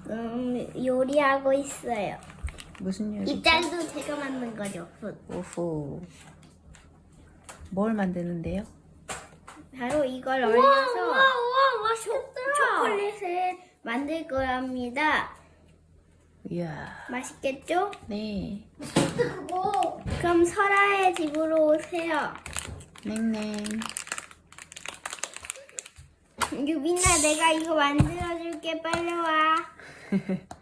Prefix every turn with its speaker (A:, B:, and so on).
A: 요리하고 있어요.
B: 무슨 요리?
A: 이 짤도 제가 만든 거죠.
B: 오호. 뭘 만드는데요?
A: 바로 이걸 얼려서 초콜릿을 만들 거랍니다.
B: 이야.
A: 맛있겠죠?
B: 네.
A: 그럼 설아의 집으로 오세요.
B: 냉냉.
A: 유빈아, 내가 이거 만들어줄게. 빨리 와.